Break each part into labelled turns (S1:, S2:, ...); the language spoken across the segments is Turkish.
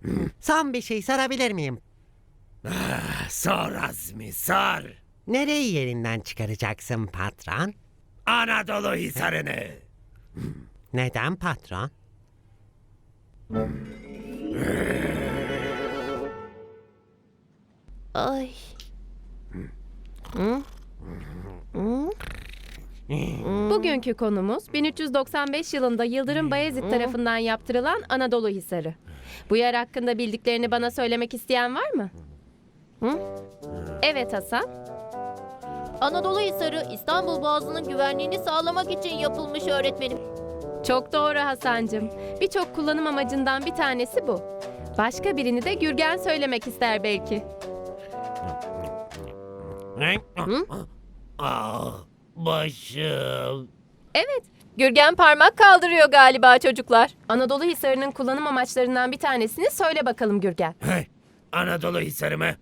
S1: Son bir şey sorabilir miyim?
S2: Sor Azmi, sor.
S1: Nereyi yerinden çıkaracaksın patron?
S2: Anadolu Hisarı'nı.
S1: Neden patron?
S3: Ay.
S4: Bugünkü konumuz 1395 yılında Yıldırım Bayezid tarafından yaptırılan Anadolu Hisarı. Bu yer hakkında bildiklerini bana söylemek isteyen var mı? Hı? Evet Hasan.
S3: Anadolu Hisarı İstanbul Boğazı'nın güvenliğini sağlamak için yapılmış öğretmenim.
S4: Çok doğru Hasancığım. Birçok kullanım amacından bir tanesi bu. Başka birini de Gürgen söylemek ister belki.
S2: Başım.
S4: Evet, Gürgen parmak kaldırıyor galiba çocuklar. Anadolu Hisarı'nın kullanım amaçlarından bir tanesini söyle bakalım Gürgen.
S2: Anadolu Hisarı mı?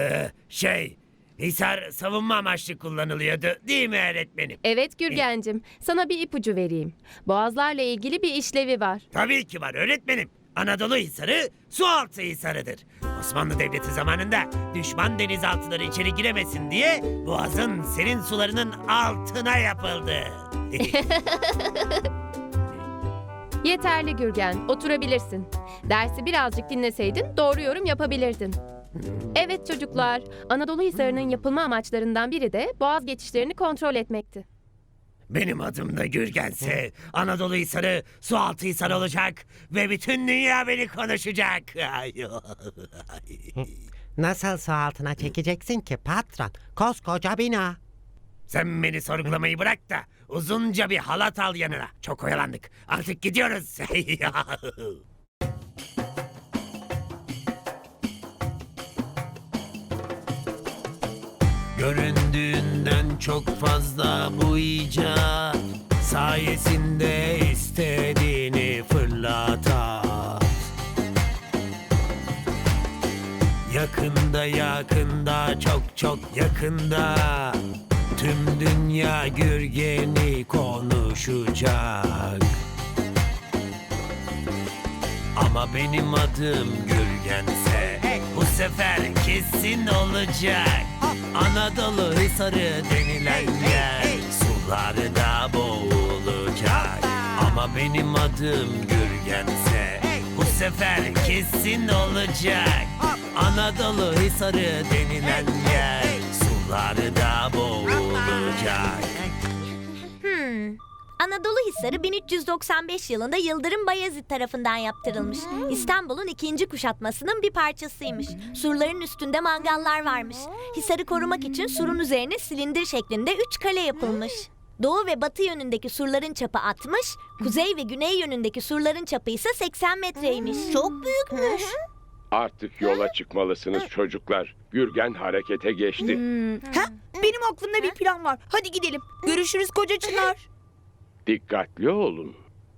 S2: Hisar savunma amaçlı kullanılıyordu değil mi öğretmenim?
S4: Evet Gürgencim, sana bir ipucu vereyim. Boğazlarla ilgili bir işlevi var.
S2: Tabii ki var öğretmenim. Anadolu Hisarı sualtı hisarıdır. Osmanlı Devleti zamanında düşman denizaltıları içeri giremesin diye boğazın serin sularının altına yapıldı.
S4: Yeterli Gürgen, oturabilirsin. Dersi birazcık dinleseydin doğru yorum yapabilirdin. Evet çocuklar, Anadolu Hisarı'nın yapılma amaçlarından biri de boğaz geçişlerini kontrol etmekti.
S2: Benim adım da Gürgense Anadolu Hisarı sualtı hisar olacak ve bütün dünya beni konuşacak.
S1: Nasıl su altına çekeceksin ki patron? Koskoca bina.
S2: Sen beni sorgulamayı bırak da uzunca bir halat al yanına. Çok oyalandık. Artık gidiyoruz. Göründüğünden çok fazla bu icat sayesinde istediğini fırlatar. Yakında çok yakında tüm dünya Gürgen'i konuşacak. Ama benim adım Gürgense bu sefer kesin olacak. Anadolu Hisarı denilen yer sularda boğulacak. Ama benim adım Gürgense bu sefer kesin olacak. Anadolu Hisarı denilen yer sularda boğulacak.
S5: Anadolu Hisarı 1395 yılında Yıldırım Bayezid tarafından yaptırılmış. İstanbul'un ikinci kuşatmasının bir parçasıymış. Surların üstünde mangallar varmış. Hisarı korumak için surun üzerine silindir şeklinde 3 kale yapılmış. Doğu ve batı yönündeki surların çapı 60, kuzey ve güney yönündeki surların çapı ise 80 metreymiş. Çok büyükmüş.
S6: Artık yola çıkmalısınız çocuklar. Gürgen harekete geçti.
S7: Benim aklımda bir plan var. Hadi gidelim. Görüşürüz koca Çınar.
S6: Dikkatli olun.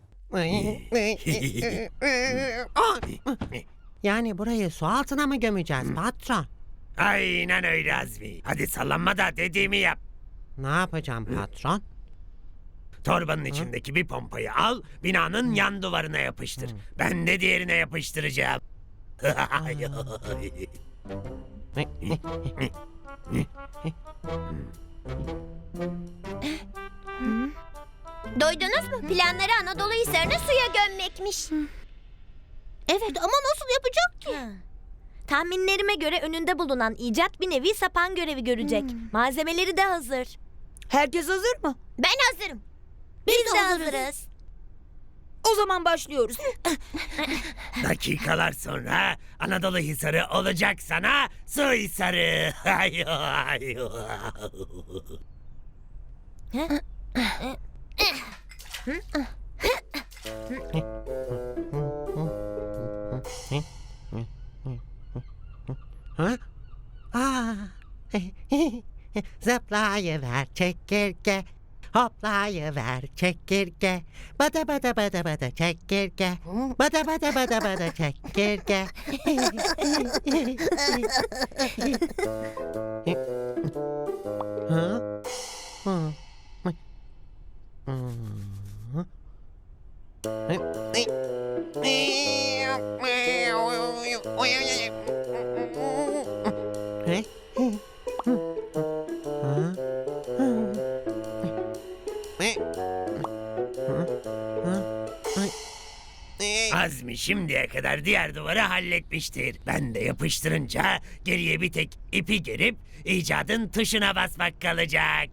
S1: Yani burayı su altına mı gömeceğiz patron?
S2: Aynen öyle Azmi. Hadi sallanma da dediğimi yap.
S1: Ne yapacağım patron?
S2: Torbanın içindeki bir pompayı al, binanın yan duvarına yapıştır. Ben de diğerine yapıştıracağım.
S5: Duydunuz mu? Planları Anadolu Hisarı'nı suya gömmekmiş. Evet ama nasıl yapacak ki? Tahminlerime göre önünde bulunan icat bir nevi sapan görevi görecek. Malzemeleri de hazır.
S7: Herkes hazır mı?
S5: Ben hazırım. Biz de hazırız.
S7: O zaman başlıyoruz.
S2: Dakikalar sonra Anadolu Hisarı olacak sana su hisarı.
S1: Ha? Aa. Zıplayıver çekirge. Hoplayıver çekirge. Bada bada bada bada çekirge. Bada bada bada bada çekirge. Ha? Hı.
S2: Azmi şimdiye kadar diğer duvarı halletmiştir. Ben de yapıştırınca geriye bir tek ipi gerip icadın tuşuna basmak kalacak.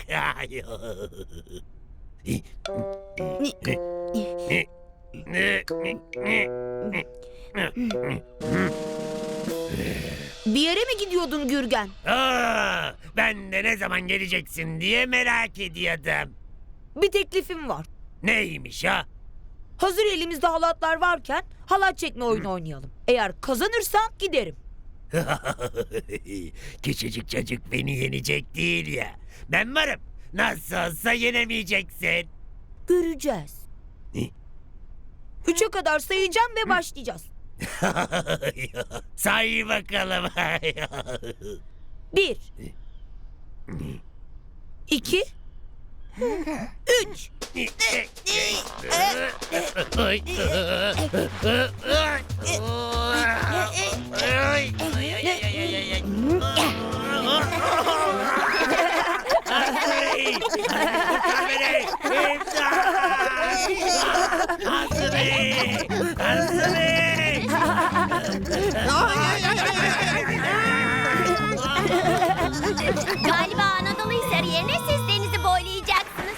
S7: Bir yere mi gidiyordun Gürgen?
S2: Aa, ben de ne zaman geleceksin diye merak ediyordum.
S7: Bir teklifim var.
S2: Neymiş ha?
S7: Hazır elimizde halatlar varken halat çekme oyunu oynayalım. Eğer kazanırsan giderim.
S2: Küçücük çocuk beni yenecek değil ya. Ben varım. Nasıl olsa yenemeyeceksin.
S7: Göreceğiz. 3'e kadar sayacağım ve başlayacağız.
S2: Say bakalım.
S7: 1 2 3
S5: Galiba Anadolu Hisarı yerine siz denizi boylayacaksınız.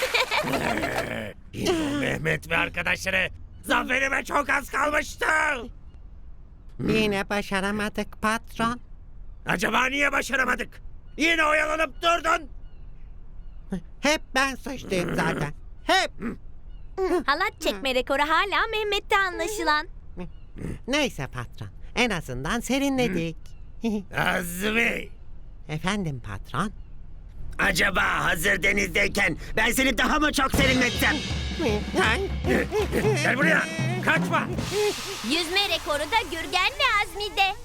S2: Mehmet ve arkadaşları zaferime çok az kalmıştı.
S1: Yine başaramadık patron.
S2: Acaba niye başaramadık? Yine oyalanıp durdun.
S1: Hep ben suçluyum zaten. Hep.
S5: Halat çekme rekoru hala Mehmet'te anlaşılan.
S1: Neyse patron. En azından serinledik.
S2: Azmi,
S1: Efendim patron.
S2: acaba hazır denizdeyken ben seni daha mı çok serinletsem? Gel buraya, kaçma.
S5: Yüzme rekoru da Gürgen ve Azmi'de.